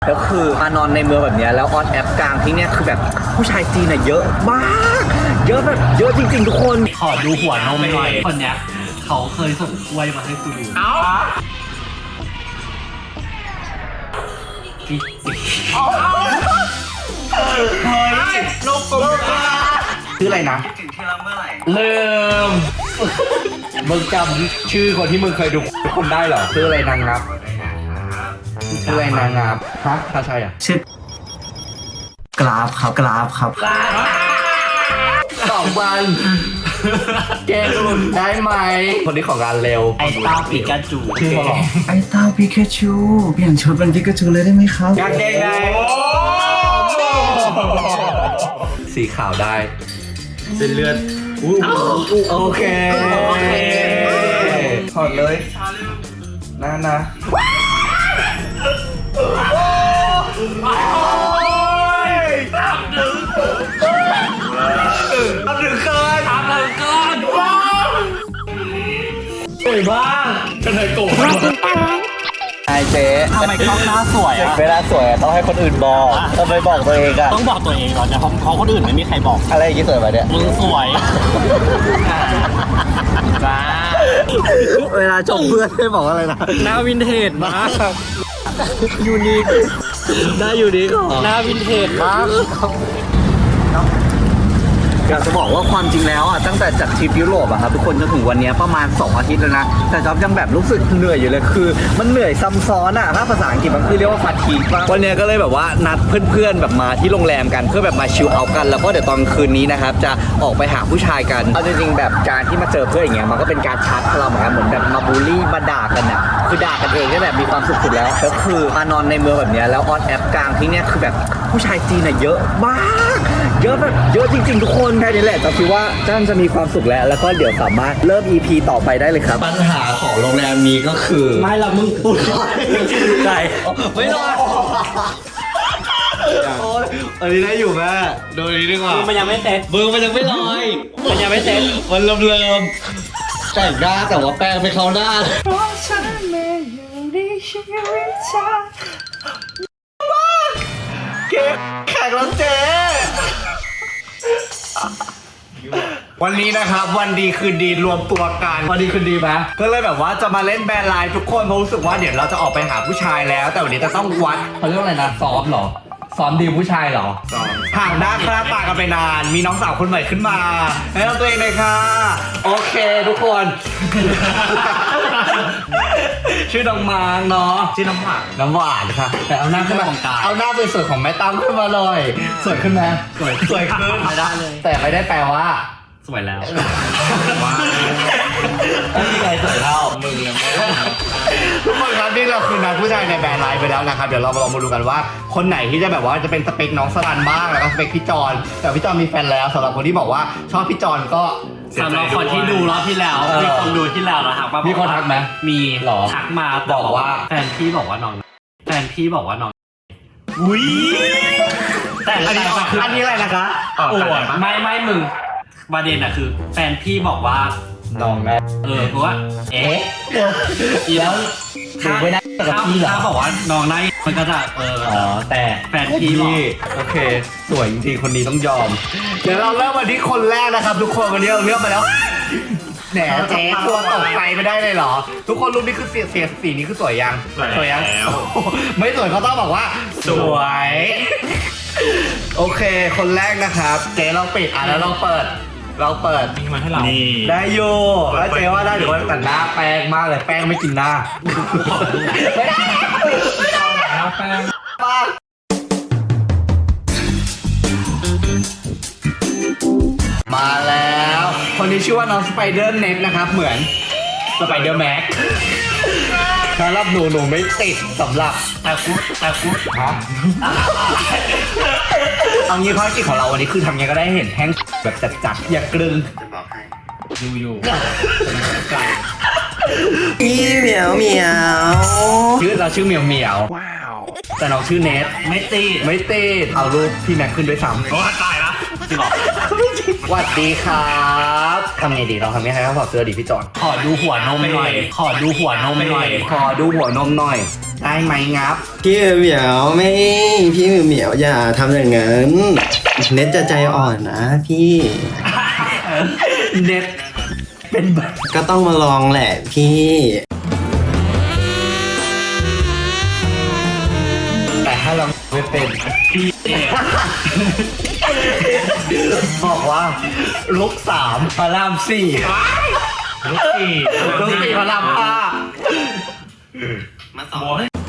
แล้วคือมานอนในเมืองแบบนี้แล้วออนแอปกลางที่เนี่ยคือแบบผู้ชายจีนน่ะเยอะมากเยอะแบบเยอะจริงๆทุกคนขอดูหัวนมหน่อยคนเนี้ยเขาเคยส่งกล้วยมาให้กูดูเฮ้ยโลกกลมชื่ออะไรนะลืมมึงจำชื่อคนที่มึงเคยดูคนได้เหรอชื่ออะไรนางงับชื่ออะไรนางงับฮะถ้าใช่อ่ะชื่อกราฟครับ 2 วันแกหลุดได้ไหมคนนี้ของงานเร็วไอ้เต้าปิกาจูชื่อเขาหรอไอ้เต้าปิกาชูเปลี่ยนชุดเป็นปิกาชูเลยได้ไหมครับกางเกงในสีขาวได้เส้นเลือดโอเคถอดเลยนะทำถึงเกินสวยบ้างจะเลยโกรธไอเจ๊ทำไมกล้องหน้าสวยอ่ะเวลาสวยต้องให้คนอื่นบอกทำไมบอกตัวเองอ่ะต้องบอกตัวเองก่อนนะเพราะคนอื่นไม่มีใครบอกอะไรอย่างงี้สวยมาเนี่ยมึงสวยจ้าเวลาชมเพื่อนให้บอกอะไรนะหน้าวินเทจมากยูนิคได้ยูนิคหน้าวินเทจมากอยากจะบอกว่าความจริงแล้วอ่ะตั้งแต่จัดทริปยุโรปอะครับทุกคนจนถึงวันนี้ประมาณ2 อาทิตย์แล้วนะแต่จ๊อบยังแบบรู้สึกเหนื่อยอยู่เลยคือมันเหนื่อยซ้ำซ้อนอะถ้าภาษาอังกฤษมันคือเรียกว่าฟาทีกวันนี้ก็เลยแบบว่านัดเพื่อนๆแบบมาที่โรงแรมกันเพื่อแบบมาชิลเอาท์กันแล้วก็เดี๋ยวตอนคืนนี้นะครับจะออกไปหาผู้ชายกันเอาจริงๆแบบการที่มาเจอเพื่อนอย่างเงี้ยมันก็เป็นการชาร์จพลังเหมือนกันเหมือนแบบมาบูลลี่มาด่ากันอะคือด่ากันเองก็แบบมีความสุขสุดแล้วก็คือมานอนในเมืองแบบนี้แล้วออนแอปกลางที่เนี่ยคือแบบผู้ชายจีนอะเยอะมากเยอะแบบเยอะจริงๆทุกคนแค่นี้แหละจะคิดว่าจ้านจะมีความสุขแล้วก็เดี๋ยวสามารถเริ่ม EP ต่อไปได้เลยครับปัญหาของโรงแรมนี้ก็คือไม่ละมึงพูดใช่ไม่รอดอันนี้ได้อยู่แม่โดยนี้ดีกว่ามันยังไม่เสร็จเบอร์มันยังไม่ลอยมันยังไม่เสร็จมันเริ่มแต่งหน้าแต่ว่าแป้งไม่เข้าหน้าเพราะฉันไม่อยู่ในชีวิตเธอเก็บแข่งแล้วเจ๊วันนี้นะครับวันดีคืนดีรวมตัวกันวันดีคืนดีไหมก็เลยแบบว่าจะมาเล่นแบรนด์ไลน์ทุกคนเพราะรู้สึกว่าเดี๋ยวเราจะออกไปหาผู้ชายแล้วแต่วันนี้จะต้องวัดเขาเรียกว่าอะไรนะซ้อมเหรอซ้อมดีผู้ชายเหรอห่างหน้าคลาปากกันไปนานมีน้องสาวคนใหม่ขึ้นมาแนะนำตัวเองเลยค่ะโอเคทุกคนชื่อน้องมางเนาะชื่อน้ำหวานค่ะแต่เอาหน้าขึ้นมาเอาหน้าสวยๆของแม่ตั้มขึ้นมาเลยสวยขึ้นไหมสวยขึ้นไม่ได้เลยแต่ไม่ได้แปลว่าสวยแล้วว่าไม่มีใครสวยเท่ามึงเลยทุกคนครับนี่เราคือนัดผู้ชายในแบรนด์ไลน์ไปแล้วนะครับเดี๋ยวเราลองมาดูกันว่าคนไหนที่จะแบบว่าจะเป็นสเปคน้องสลันบ้างแล้วก็สเปคพี่จอนแต่พี่จอนมีแฟนแล้วสำหรับคนที่บอกว่าชอบพี่จอนก็สำหรับคนที่ดูรอบที่แล้วมีคนดูที่แล้วนะครับมีคนทักไหมมีหรอทักมาบอกว่าแฟนพี่บอกว่าน้องอุ้ยแต่อันนี้อะไรนะคะโอ้ยไม่มึงประเด็นอะคือแฟนพี่บอกว่าน้องแม่เพราะว่าแล้วถ้าบอกว่าน้องนายมันก็จะแต่แฟนพี่โอเคสวยจริงๆคนนี้ต้องยอมเดี๋ยวเราเริ่มวันที่คนแรกนะครับทุกคนวันนี้เราเลือกมาแล้วแหนเจ๊ตัวตกใจไม่ได้เลยเหรอทุกคนรูปนี้คือสีนี้คือสวยยังไม่สวยเขาต้องบอกว่าสวยโอเคคนแรกนะครับเจ๊เราปิดแล้วเราเปิดทิ้งมาให้เราได้อยู่แล้วเจ๊ว่าได้หรือว่าแต่หน้าแป้งมากเลยแป้งไม่กินหน้าไม่ได้แป้งมาแล้วคนนี้ชื่อว่าน้องสไปเดอร์เน็ตนะครับเหมือนสไปเดอร์แม็กสำหรับหนูไม่ติดสำหรับแต่กูฮะเอางี้ภารกิจของเราวันนี้คือทำยังไงก็ได้เห็นแห้งแบบจัดอย่ากลึงดูอยู่พี่เหมียวเราชื่อเหมียวว้าวแต่น้องชื่อเนทไม่ติดเอารูปพี่แม็กขึ้นด้วยซ้ำโอ้ตายละจริงเหรอสวัสดีครับทำไงดีเราทำยังไงให้ถอดเสื้อดีพี่จอนขอดูหัวนมหน่อย ขอดูหัวนมหน่อยขอดูหัวนมหน่อยได้ไหมงับพี่เหมียวไม่พี่เหมียวอย่าทำอย่างนั้นเน็ตจะใจอ่อนนะพี่เน็ตเป็นแบบก็ต้องมาลองแหละพี่แต่ถ้าเราไม่เป็นพี่เนี่ยบอกว่าลุกสามพระรามสี่ลูกสี่ลุกสี่พระรามห้ามาสอน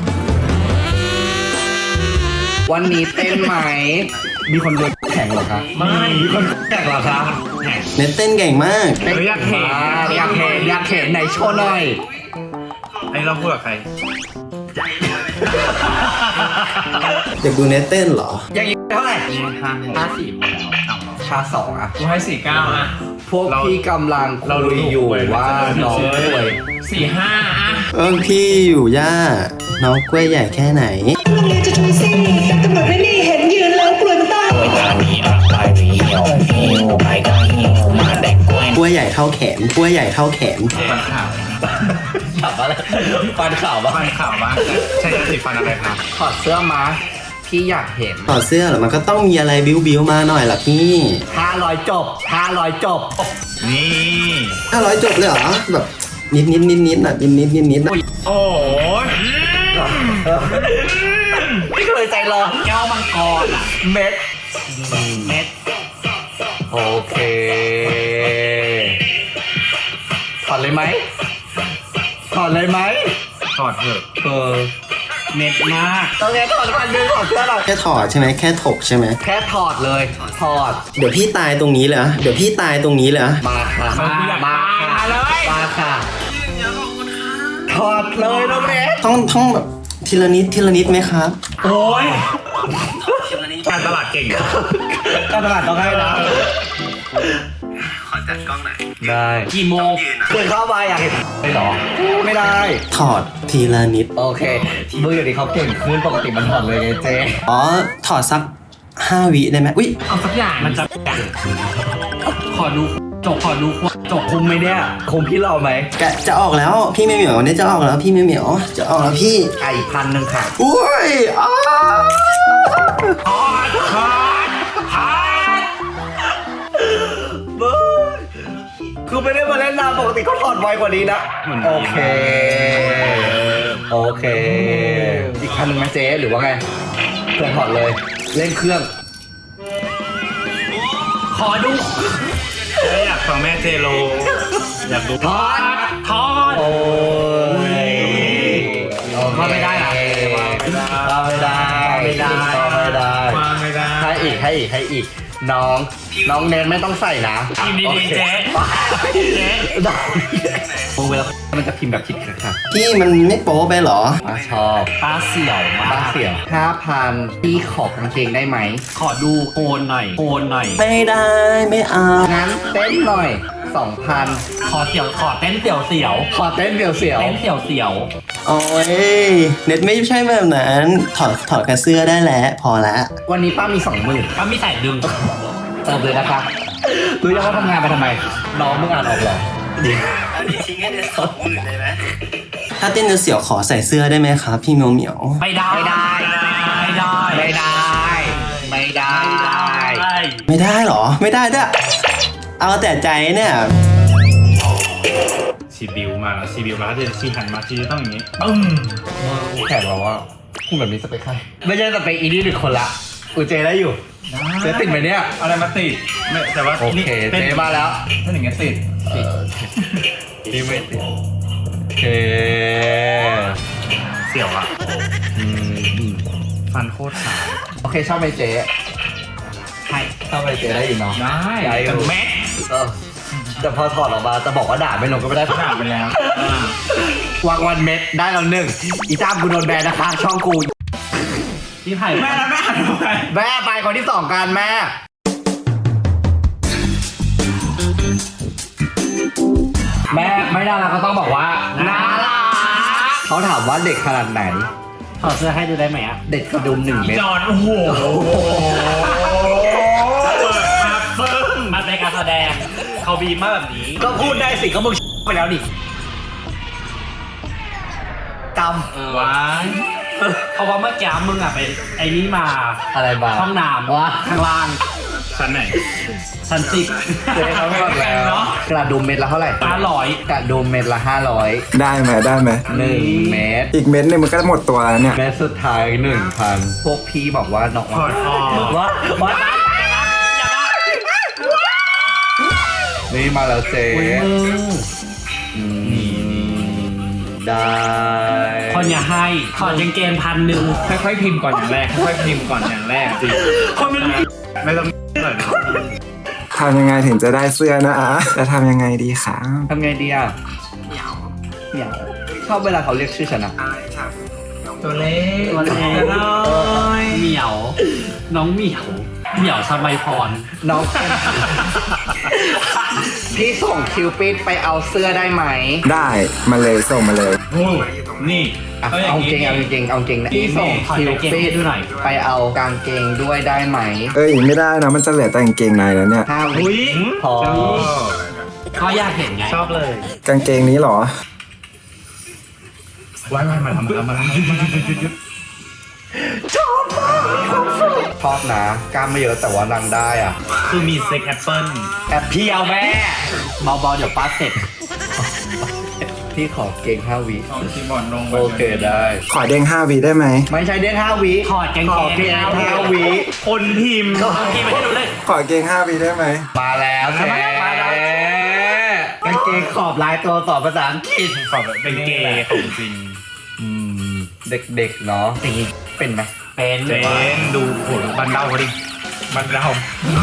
วันนี้เต้นไหมมีคนโดนแข่งเหรอคะไม่มีคนแข่งเหรอคะเน็ตเต้นเก่งมากเต้นอยากเห็นอยากเห็นอยากเห็นไหนโชว์หน่อยไอ้เราพูดกับใครอยากดูเน็ตเต้นเหรออย่างนี้เท่าไหร่54ชาสองอะกูให้49อ่ะพวกพี่กำลังคุยอยู่ว่าน้องป่วย 45อ่ะพี่อยู่ย่าน้องกล้วยใหญ่แค่ไหนโรงเรียนจะทูซี่แต่ตำรวจไม่นี่เห็นยืนแล้วกลัวตายกล้วยใหญ่เท่าแขนกล้วยใหญ่เท่าแขนฟันข่าวขับอะไรฟันข่าวบ้างฟันข่าวบ้างใช่ยาสีฟันอะไรครับถอดเสื้อมาพี่อยากเห็นต่อเสื้อเหรอมันก็ต้องมีอะไรบิ้วมาหน่อยล่ะพี่ 500 จบ 500 จบนี่ 500 จบเลยเหรอแบบนิดน่ะนิดน่ะโอ้ยไม่เคยใจร้อนแก้วมังกรอ่ะเม็ดเม็ดโอเคถอดเลยไหมถอดเลยไหมถอดเถอะ เม็ดมากต้องแค่ถอดพันหนึ่งถอดเสื้อหน่อยแค่ถอดใช่ไหมแค่ถกใช่ไหมแค่ถอดเลย ถอดเดี๋ยวพี่ตายตรงนี้เลยอะเดี๋ยวพี่ตายตรงนี้เลยอะมาค่ะมาค่ะมาค่ะ ถอดเลยน้องเน็ตต้องแบบทีละนิดไหมครับโอ้ยการตลาดเก่งการตลาดต้องให้นะ ได้กี่โมงเกินเข้าไปอยากเห็นไม่หรอ ไม่ได้ถอดทีละนิดโอเคมืออย่างนี้เขาเก่งขึ้นปกติมันถอดเลยไงเจ๊อ๋อถอดสัก5 วิได้ไหมอุ๊ยเอาสักอย่างมันจะขอดูขอดูจบคุมไหมเนี่ยคุมพี่เราไหมแกะจะออกแล้วพี่ไม่เหมียวเนี่ยจะออกแล้วพี่ไม่เหมียวจะออกแล้วพี่ไก่1,000ค่ะอุ้ยอ้าคือไม่ได้มาเล่นนานปกติเขาถอดไวกว่านี้นะ โอเค โอเค อีกคันหนึ่งไหมเจ๊หรือว่าไงเครื่องถอดเลย เล่นเครื่องขอดูอยากฟังแม่เจโล อยากดูถอดทอดโอ้ยว่าไม่ได้เหรอว่าไม่ได้ไม่ได้ไม่ได้ว่าไม่ได้ให้อีก น้องเน้นไม่ต้องใส่นะพิมพ์ดีๆเจ๊เจ๊โอ้เวลามันจะพิมพ์แบบผิดค่ะพี่มันไม่โป๊ไปเหรอชอบตาเสี่ยวมาบ้าก เสี่ยว5,000พี่ขอบกางเกงได้ไหมขอดูโคนหน่อย โคนหน่อยไม่ได้ไม่เอางั้นเต้นหน่อย 2,000 ขอเต้นเสี่ยวเสี่ยวขอเต้นเสี่ยวเต้นเสี่ยวเสี่ยวโอ้ยเน็ตไม่ใช่แบบนั้นถอดแค่เสื้อได้แล้วพอแล้วๆวันนี้ป้ามี 20,000 ก็มีใส่ดึงเติมเลยนะคะรู้ยังว่าทำงานไปทำไม น้องมึงอ่านออกเหรอถ้าเต้นเสียวๆขอใส่เสื้อได้ไหมครับพี่เหมียวเหมียวไม่ได้ไม่ได้ไม่ได้ไม่ได้ ไม่ได้ไม่ได้เหรอไม่ได้ด้วยเอาแต่ใจเนี่ยชีบิวมาแล้วชีบิวมาแล้วชีหันมาชีจะต้องอย่างนี้แขกเราว่าคุณแบบนี้สเปคใครไม่ใช่สเปคอีนี่หรือคนละอูเจได้อยู่เจติดไหมเนี่ยอะไรมาติดไม่แต่ว่าโอเคเจมาแล้วถ้าอย่างเงี้ยติดนี่ไม่ติดโอเคเสี่ยวอ่ะฟันโคตรขาวโอเคชอบไหมเจใช่ชอบไหมเจได้อยู่เนาะได้ได้อยู่แต่แม็กแต่พอถอดออกมาจะบอกว่าด่าไม่ลงก็ไม่ได้ด่าไปแล้ววางวันเม็ดได้แล้วหนึ่งอีจ้ามกูโดนแบนนะคะ ช่องกูพี่ไผ่แม่แล้วแม่หันทำไมแม่ไปคนที่2กันแม่ แม่ไม่น่ารักก็ต้องบอกว่าน่ารักเขาถามว่าเด็กขนาดไหนถอดเสื้อให้ดูได้ไหมอ่ะเด็กกระดุม1 เม็ดจอนโอ้โหเปิดมาแสดงเขาบีมมาแบบนี้ก็พูดได้สิก็มึงไปแล้วดิจว้ายเพราะว่าเมื่อกี้มึงอะไปไอ้นี่มาำอะไรบ้างห้องน้ำว่าข้างล่างชั้นไหนชั้น10 เจ๊เขาบอกแล้วเนาะกระดุมเม็ดละเท่าไหร่ 500 กระดุมเม็ดละ500 ได้ไหมได้ไหม 1 เม็ดอีกเม็ดนึงมันก็หมดตัวแล้วเนี่ยเม็ดสุดท้าย 1,000 พวกพี่บอกว่าน้องถอดออกว่านี่มาแล้วเจ๊อุ้ยมึงได้คนอย่าให้ถอดกางเกง1,000 ค่อยๆพิมพ์ก่อนอย่างแรกค่อยๆพิมพ์ก่อนอย่างแรกจริงคนมันไม่ต้องหน่อยทำยังไงถึงจะได้เสื้อนะอ่ะจะทำยังไงดีคะทำไงดีอ่ะเหมียวชอบเวลาเขาเรียกชื่อฉันอะตัวเล็กตัวเล็กเหมียว น้องเหมียวเหมียวสมัยพรน้อง พี่ส่งคิวปิดไปเอาเสื้อได้ไหมได้มาเลยส่งมาเลยโอ้นี่อ่ะก็อย่าเอางเกงนี้เอาเกงเอาเกงนะพี่ส่งคิวปิดไปเอากางเกงด้วยได้ไหมไม่ได้นะมันจะเหลือแต่กางเกงในแล้วเนี่ย 5 วิพอก็อยากเห็นไงชอบเลยกางเกงนี้เหรอไว้มาทำมาแล้วชอบนะกล้ามไม่เยอะแต่ว่านางได้อ่ะคือมีเซ็กแอปเปิ้ลแอบพี่เอาแม่เบาๆเดี๋ยวป้าเสร็จพี่ขอเกง5 วิเอาคีย์บอร์ดลงโอเคได้ขอเด้ง5 วิได้ไหมไม่ใช่เด้ง5 วิถอดกางขอเกเกงง5 วิคนพิมพ์พี่ไม่ให้ดูเลยขอเกง5 วิได้ไหมมาแล้วแม่กางเกงขอบลายตัวต่อภาษาอังกฤษขอแบบเป็นเกย์ของจริงเด็กๆเนาะอย่างนี้เป็นไหมเป็นเจนดูโหบันเดาเขาดิบันเดา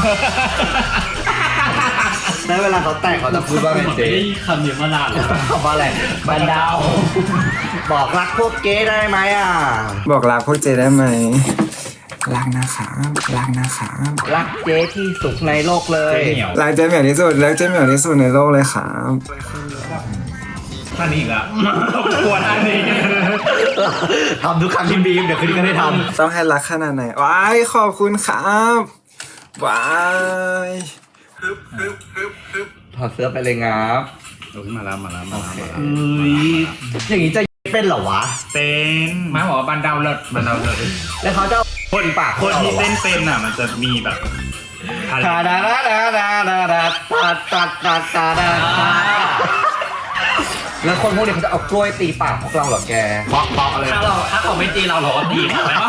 แล้วเวลาเขาแต่งเขาจะพูดว่าไงไม่เจ๊ได้คำนี้มานานแล้วคำว่าอะไรบันดาว บอกรักพวกเก๊ได้ไหมอ่ะบอกรักพวกเจได้ไหมรักนะครับรักนะครับรักเจ๊ที่สุดในโลกเลยเจ๊เหนียวรักเจเหมียวที่สุดรักเจเหมียวที่สุดในโลกเลยครับท่านนี้อีกแล้วกลัวท่านนี้ทำทุกครั้งที่บีมเดี๋ยวคืนนี้ก็ได้ทต้องให้รักขนาดไหนว้ายขอบคุณครับว้ายำถอดเสื้อไปเลยงับโอ้ยมาแล้วอย่างนี้จะเป็นเหรอวะเป็นมาบอกว่าบันเดาเลิศบันเดาเลิศแล้วเขาจะเอาคนปากคนที่เต้นเป็นอ่ะมันจะมีแบบตาดาดาดาดาดาดาตาตาตาตาดาแล้วคนพวกนี้เขาจะเอากล้วยตีปากพวกเราเหรอแกบล็อกอะไรถ้าเขาไม่ตีเราก็ตีเขาไหม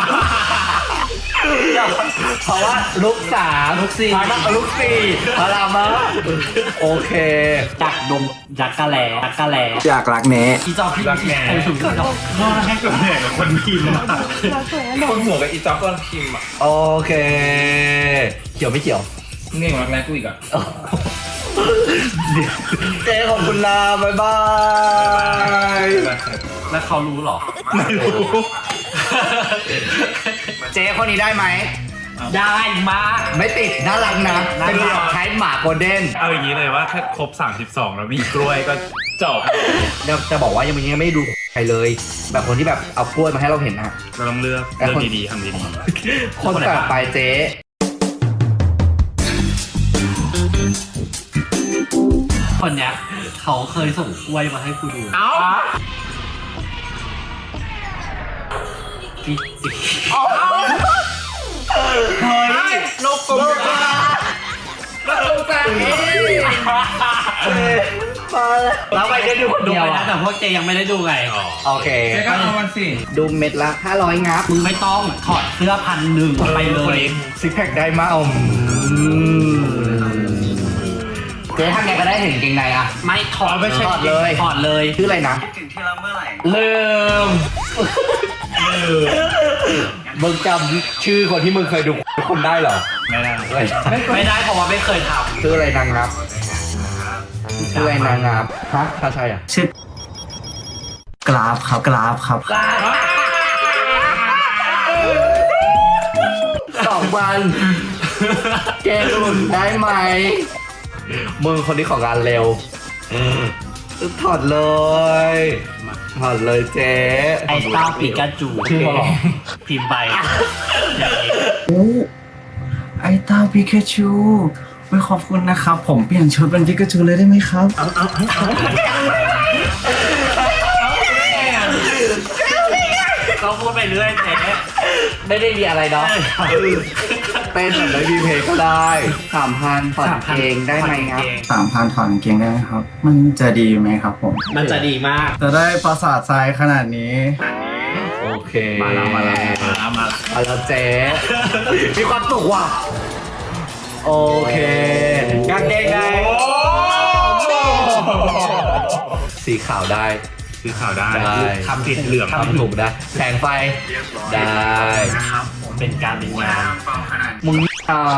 เพราะว่าลูก3ลูก4ลูก4พารามาโอเคจักดมจักกะแหลจักกะแหลอยากรักแน่อีจอพี่ใครถึงก็ให้กับเหนื่อยกับคนพิมพ์อะคนหัวกับอีจ๊อบตอนพิมพ์อ่ะโอเคเขียวไม่เขียวเง่งรักแรกกูอีกอ่ะเจ๊ขอบคุณลาบ๊ายบายแล้วเขารู้หรอไม่รู้เจ๊คนนี้ได้ไหมได้มากไม่ติดน่ารักนะเป็นแบบใช้หมาโกลเด้นเอาอย่างนี้เลยว่าถ้าครบ32แล้วมีกล้วยก็จบจะบอกว่ายังไม่ได้ดูใครเลย แบบคนที่แบบเอากล้วยมาให้เราเห็นอะเราต้องเลือกดีๆทำดีคนต่อไปเจ๊คนเนี้ยเขาเคยส่งกล้วยมาให้กูดูๆเอ้าพี่เฮ้ยนกกลมนกกลมแปลกมาแล้วไปได้ดูคนดูเดียวไปนะอะแต่พวกเจยังไม่ได้ดูไงโอเคเจ๊ก็เอามันสิดูเม็ดละ500งับมึงไม่ต้องถอดเสื้อ1,000ไปเลยซิกแพคได้มาเจ๊ทำไงก็ได้เห็นเกงในอะไม่ถอดไม่ใช่ถอดเลย ถอดเลยชื่ออะไรนะถึงที่เราเมื่อไหร่ลืมมึงจำชื่อคนที่มึงเคยดูคนได้เหรอไม่ได้ไม่ได้เพราะว่าไม่เคยทชื่ออะไรนางงับชื่ออะไรนางงับฮะถ้าใช่อ่ะชื่อกราฟครับกราฟครับ 2 วันแกหลุดได้ไหมมึงคนนี้ของงานเร็วถอดเลยถอดเลยเจ๊ำไอ้เต้าปีกาจูชื่อเขาเหรอพิมพ์ไปอย่างนี้ไอ้เต้าปิกาจูไม่ขอบคุณนะครับ ผมเปลี่ยนชุดเป็นปิกาจูเลยได้ไหมครับเขาพูดไปเรื่อยเจ๊ไม่ได้มีอะไรเนาะเต้นแบบไม่มีเพลงก็ได้3,000ผ่อนเพลงได้ไหมครับ 3,000 ถอนกางเกงได้ไหมครับ มันจะดีไหมครับผมมันจะดีมากจะได้ประสาททรายขนาดนี้โอเคมาแล้วเจ๊มีความสุขว่ะโอเคกางเกงในสีขาวได้สีขาวได้ได้ทำติดเหลืองทำถูกได้แสงไฟได้เป็นการเป็นงานมึงอ่า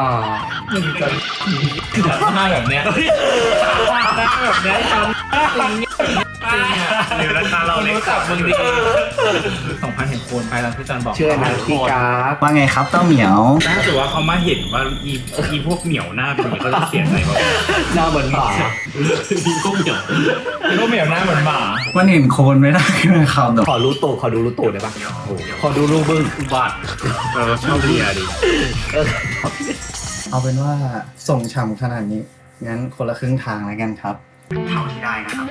หน้าแบบเนี้ยหน้าแบบเนี้ยทำหรือราคาเราเล็กกว่ามึงดี2,000 เห็นโคนไปแล้วพี่จันบอกเชื่อนะพี่กราฟว่าไงครับเต้าเหมียวถ้าเกิดว่าเขามาเห็นว่าอีพวกเหมียวหน้าเป็นอย่างนี้เขาจะเสียใจว่าหน้าเหมือนหมามีกุ้งเหนียวพวกเหมียวหน้าเหมือนหมามันเห็นโคนไม่ได้ไหมครับเดี๋ยวขอรู้ตูดขอดูรู้ตูดได้ปะขอดูรูบึ้งบาดเราชอบเลียดิเอาเป็นว่าส่งฉ่ำขนาดนี้ งั้นคนละครึ่งทางแล้วกันครับเท่าที่ได้นะครับ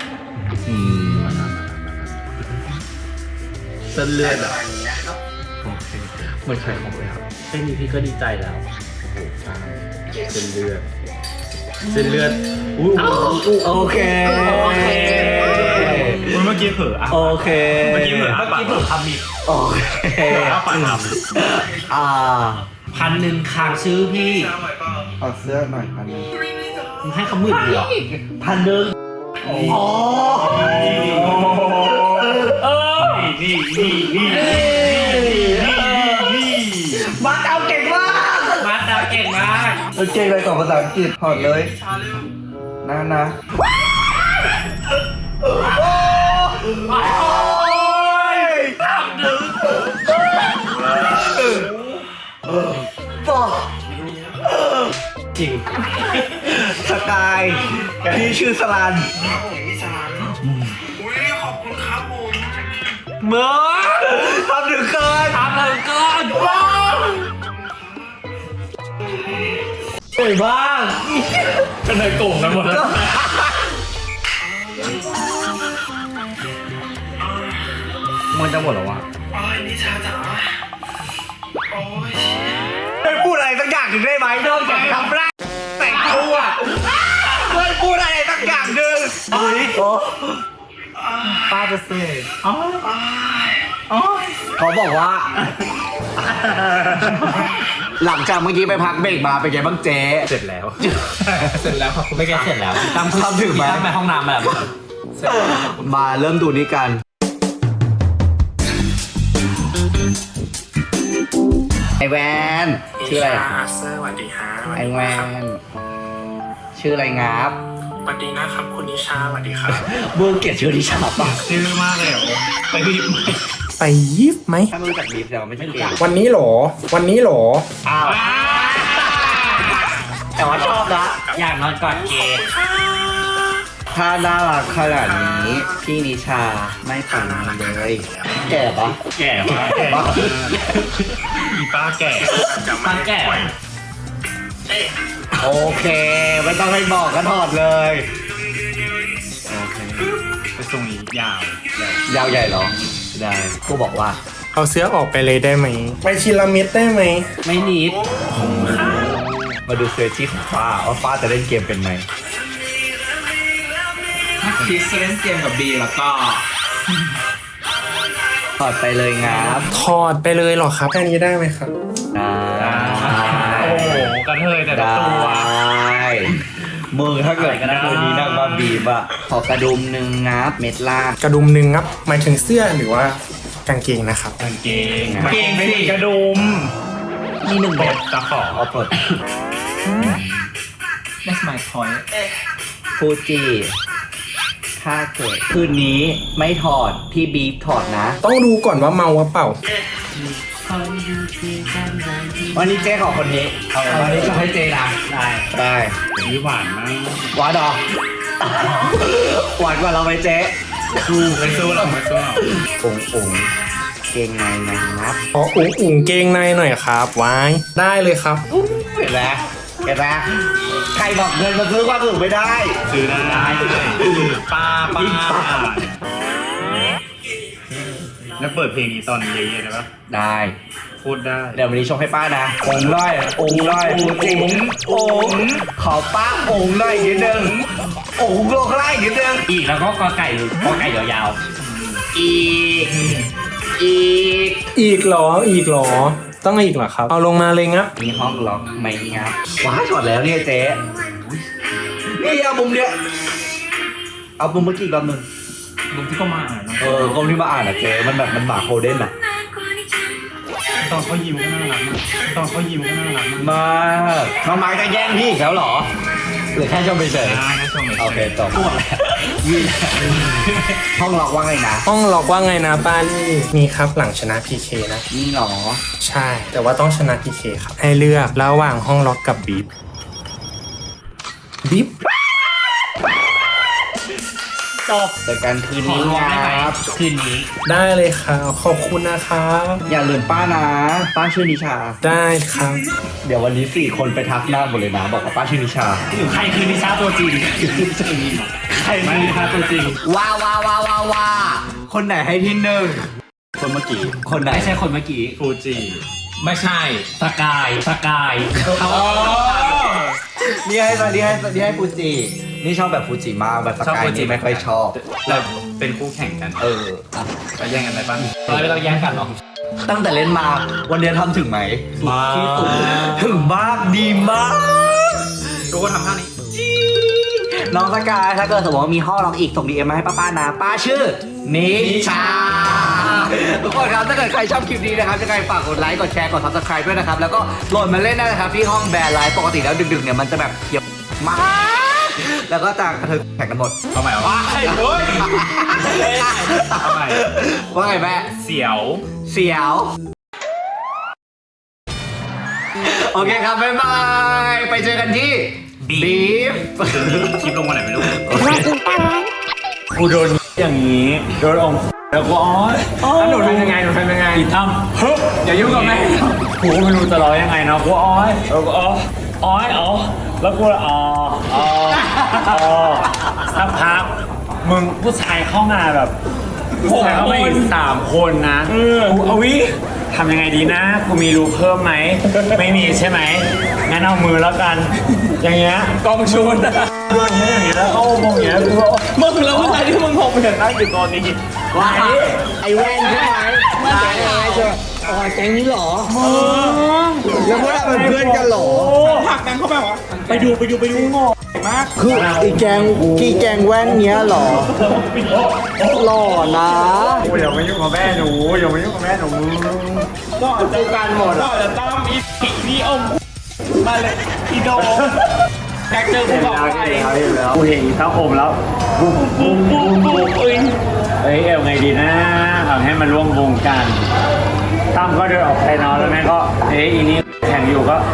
เส้นเลือดอ่ะโอเคเหมือนไข่ของเลยครับแค่นี้พี่ก็ดีใจแล้วเส้นเลือดโอเคเมื่อกี้เผลออ่ะโอเคเมื่อกี้เผลอเมื่อกี้เพิ่งทำอีกโอเคอ้าปากท 1,000ค้างชื่อพี่เอาเสื้อหน่อยครับมึงให้เขา10,000เหรอ1,000อ๋อนี่มาเอาเก่งมากมาดาวเก่งมากเก่งเลยสองภาษาอังกฤษถอดเลยนะจริงสกายพี่ชื่อสลันเมื่อทำถึงเกินเฮ้ยบ้างเป็นในกลุ่มกันหมดแล้วมันจะหมดหรอวะไม่พูดอะไรสักอย่างหนึ่งได้ไหมนอกจากคำแรกแต่งตัวไม่พูดอะไรสักอย่างหนึ่งป้าจะเซ่เขาบอกว่า หลังจากเมื่อกี้ไปพักเบรกมาเป็นไงบ้างเจ๊เสร็จแล้วครับคุณไม่แกเสร็จแล้วตามทำถึงไหมไปห้องน้ำแบบมาเริ่มดูนี้กันไอแวนชื่ออะไรอ่ะสวัสดีฮะไอแวนชื่ออะไรงับสวัสดีนะครับคุณนิชาสวัสดีครับเบื้องเกียรติชื่อดิฉันป่ะชื่อมากเลยเหรอไปรีบไปยิบไหมถ้าไม่รู้จักบีฟแต่ว่าไม่ใช่เกมวันนี้หรออ้าวแต่ว่าชอบนะอยากนอนกอดเกย์ถ้าน่ารักขนาดนี้พี่นิชาไม่ฝันเลย แก่ปะแก่มากอีป้าแก่ฟังแก่โอเคไม่ต้องให้บอกก็ถอดเลยโอเคไปทรงนี้ยาวยาวใหญ่เหรอได้กูบอกว่าเอาเสื้อออกไปเลยได้ไหม ไปทีละเม็ดได้ไหมไม่นิดมาดูเซอร์ชี่ของฟ้าว่าฟ้าจะเล่นเกมเป็นไหมถ้าคิดเล่นเกมกับบีแล้วก็ถอดไปเลยงับถอดไปเลยเหรอครับ แค่นี้ได้ไหมครับได้โอ้โหกระเทยแต่ละได้ตัวมึงถ้าเกิดคืนนี้นั่งมาบีบอะขอกระดุมหนึ่งงับเม็ดล่างกระดุมหนึ่งครับ หมายถึงเสื้อหรือว่ากางเกงนะครับกางเกงไม่มีกระดุมมีหนึ่งปแบลบดตะขอเอาปลด That's my point ฟูจิถ้าเกิดคืนนี้ไม่ถอดพี่บีบถอดนะต้องดูก่อนว่าเมาหรือเปล่าวันนี้เจ๊ขอคนนี้วันนี้จะให้เจ๊นะได้นี่หวานมากหวานดอกหวานกว่าเราไหมเจ๊ไม่สู้หรอกไม่สู้หรอกองเกงในนับอ๋ออุ่งเกงในหน่อยครับไว้ได้เลยครับเห็นไหมเห็นไหมใครบอกเงินมาซื้อความสุขไม่ได้ซื้อได้ป้าแล้วเปิดเพลงนี้ตอนเย็นๆได้ปะได้พูดได้เดี๋ยววันนี้ชงให้ป้านะองค์ร้อยองค์ร้อยองค์ขอป้าองค์ร้อยอีกนิดนึงองค์โลกไล่อีกนิดนึงอีกแล้วก็กอไก่ยาวอีกอีกเหรอต้องอีกเหรอครับเอาลงมาเลยงับมีห้องล็อกไหมงับว้าช็อตแล้วเนี่ยเจ๊นี่เอามุมเนี้ยเอามุมเมื่อกี้อีกรอบนึงลุงที่ก็มาอ่านนะกล้องที่มาอ่านอะเจ๊มันแบบมันหมาโคเด้นอะตอนเขายิ้มก็น่ารักมากตอนเขายิ้มก็น่ารักมากมากน้องไม้จะแย่งพี่อีกแล้วเหรอหรือแค่ชมเฉยนะชมโอเคจบยืนห้องล็อกว่าไงนะห้องล็อกว่าไงนะป้าลี่มีครับหลังชนะ PK นะนี่หรอใช่ แต่ว่าต้องชนะ PK ครับให้เลือกระหว่างห้องล็อกกับบีฟบีฟจบเจอกันคืนขอนี้รวมได้ไหมครับคืนนี้ได้เลยครับขอบคุณนะครับอย่าลืมป้านะป้าชื่อนิชาได้ครับเดี๋ยววันนี้4 คนไปทักหน้าหมดเลยนะบอกว่าป้าชื่อนิชาใครคือนิชาตัวจริงใครคือนิชาตัวจริงว้าคนไหนให้ที่1คนเมื่อกี้คนไหนไม่ใช่คนเมื่อกี้ฟูจิไม่ใช่สกายเขานี่ให้ฟูจินี่ชอบแบบฟูจิมากแบบสกายนี่ไม่ค่อยชอบเราเป็นคู่แข่งกันอ่ะจะแย่งกันได้ปะไม่ต้องแย่งกันหรอกตั้งแต่เล่นมาวันนี้ทำถึงไหมที่สุดถึงมากดีมากรู้ว่าทำท่านี้น้องสกายถ้าเกิดสมมติว่ามีห้องล็อกอีกส่งดีเอ็มมาให้ป้านะป้าชื่อนิชาทุกคนครับถ้าเกิดใครชอบคลิปนี้นะครับยังไงฝากกดไลค์กดแชร์กด subscribe ด้วยนะครับแล้วก็โหลดมาเล่นได้นะครับที่ห้องแบร์ไลฟ์ปกติแล้วดึกๆเนี่ยมันจะแบบเขียวมากแล้วก็จะกระเทยแข่งกันหมดเอาใหม่เอาใหม่ เอาใหม่ว่าไงแม่เสียวเสียวโอเคครับบ๊ายบายไปเจอกันที่บีฟคลิปลงมาไหนไม่รู้กูโดนอย่างนี้โดนองแล้วก็แล้วหนูทำยังไงอีทำฮึบอย่ายุ่งกับแม่กูก็ไม่รู้จะร้องยังไงเนาะกูแล้วก็แล้วกูสักพักมึงผู้ชายเข้ามาแบบผู้ชายเข้ามาอีก3 คนนะกูเอาวิทำยังไงดีนะกูมีรูเพิ่มไหมไม่มีใช่ไหมงั้นเอามือแล้วกันอย่างเงี้ยกองชุนอย่างเงี้ยแล้วเอามองอย่างเงี้ยกูมึงแล้วผู้ชายที่มึงพบเห็นนั่งอยู่ตอนนี้ว่าไอ้แว่นใช่ไหมว่าแก๊งอะไรเจออ๋อแก๊งนี้เหรอแล้วพวกเราเป็นเพื่อนกันเหรอผักกันเข้าไปวะไปดูงอคืออีแกงแว่นเนี้ยเหรอหล่อนะอย่ามายุ่งกับแม่หนูก็จะการหมดก็จะตามอีอมมาเลยอีโดแท็กเจอกูบอกไปกูเห็นอีท้าอมแล้วปุ๊บเอ้ยเอาไงดีนะทำให้มันร่วมวงกันตั้มก็เดินออกไปนอนแล้วแม่ก็อีนี้แข่งอยู่ก็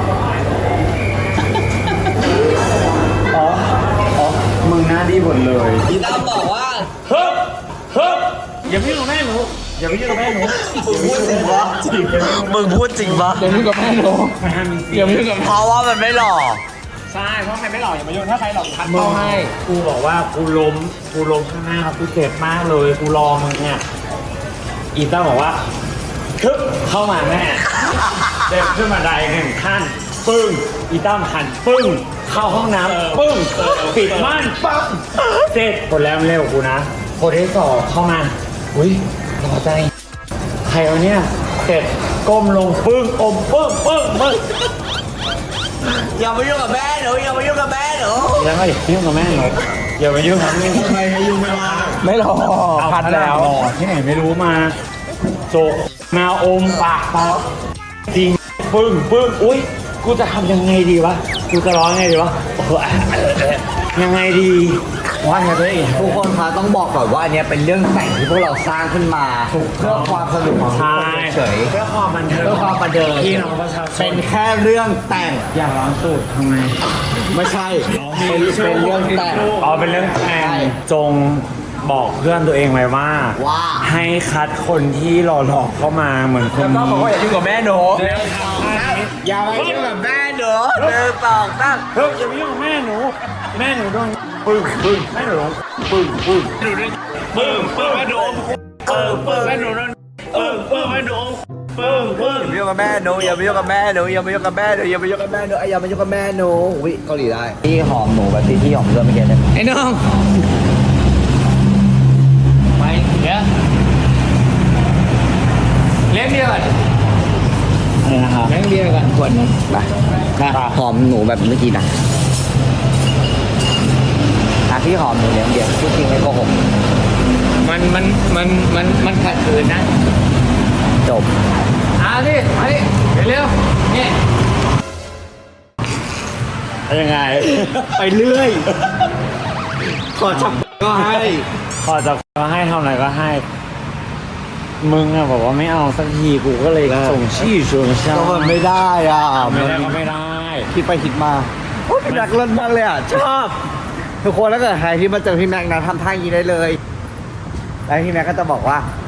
มึงหน้าดีหมดเลยอีตามบอกว่าเฮ้ยอย่าไปยุ่งกับแม่หนูมึงพูดจริงปะมึงพูดจริงปะเดี๋ยวมึงกับแม่หนูเดี๋ยวมึงกับเพราะว่ามันไม่หล่อใช่เพราะใครไม่หล่ออย่ามายุ่งถ้าใครหล่อทัดเข้าให้กูบอกว่ากูล้มข้างหน้ากูเจ็บมากเลยกูรอมึงเนี่ยอีต้าบอกว่าคึบเข้ามาแม่เดินขึ้นมาได1 ขั้นปึ้งอีต้าหันปึ้งเข้าห้องน้ำปึ้งปิดม่านปั๊บเสร็จคนแล้วเร็วกูนะคนที่2เข้ามาอุ้ยรอใจใครวะเนี่ยเสร็จก้มลงปึ้งอมปึ้งอย่ามายุ่งกับแม่หนูอย่ามายุ่งกับแม่หนูแล้วก็อย่ายุ่งกับแม่หนูอย่าไปยุ่งกับแม่ทำไมให้ยุ่งไม่ว่าไม่หรอพัดแล้วหล่อที่ไหนไม่รู้มาโจกมาอมปากจริงปึ้งอุ้ยกูจะทำยังไงดีวะกูจะร้องยังไงดีวะโอ้โหยังไงดีว่าไงตัวเองทุกคนคะต้องบอกก่อนว่าอันเนี้ยเป็นเรื่องแต่งที่พวกเราสร้างขึ้นมาเพื่อความสนุกของทุกใช่คนเฉยเพื่อความบันเทิงเพื่อความบันเทิงพี่น้องประชาชเป็น นแค่เรื่องแต่งอยากร้องตูดทำไมไม่ใช่เป็นเรื่องแต่งอ๋อเป็นเรื่องแต่งจงบอกเพื่อนตัวเองไว้ว่าว่าให้คัดคนที่หล่อๆเข้ามาเหมือนคนนี้ก็บอกว่าอย่ายุ่งกับแม่หนูแล้วทำท่านี้อย่ามายุ่งกับแม่หนูเดินสองตั้งเฮ้ยอย่าไปยุ่งกับแม่หนูแม่หนูโดนปึ้งแม่หนูโดนปึ้งแม่หนูแม่หนูนั่นแม่หนูอย่าไปยุ่งกับแม่หนูอย่าไปยุ่งกับแม่หนูอย่าไปยุ่งกับแม่หนูอย่าไปยุ่งกับแม่หนูอย่าไปยุ่งกับแม่หนูวิเกาหลีได้พี่หอมหนูแบบที่หอมเพื่อนเมื่อกี้เนี่ยไอ้น้องไปเดี๋ยวเลี้ยงเบียร์ก่อนอะไรนะครับเลี้ยงเบียร์ก่อนขวดนึงไปหอมหนูแบบเมื่อกี้นะพี่หอมหนูเลี้ยงเดียวพูดจริงไม่โกหกมันขัดขืนนะจบเอาดิมาดิเร็วๆนี่ยังไงไปเรื่อยขอจับก็ให้ขอจะก็ให้เท่าไหร่ก็ให้ มึงอะบอกว่าไม่เอาสักทีกูก็เลยส่งชี้ชวนเช่าก็มันไม่ได้อ่ะไม่ได้ก็ไม่ได้คิดไปคิดมาโอ้พี่แม็กเล่นมากเลยอ่ะชอบทุกคนแล้วเกิดใครที่มาเจอพี่แม็กนะทำท่าอย่างนี้ได้เลยแล้วพี่แม็กก็จะบอกว่า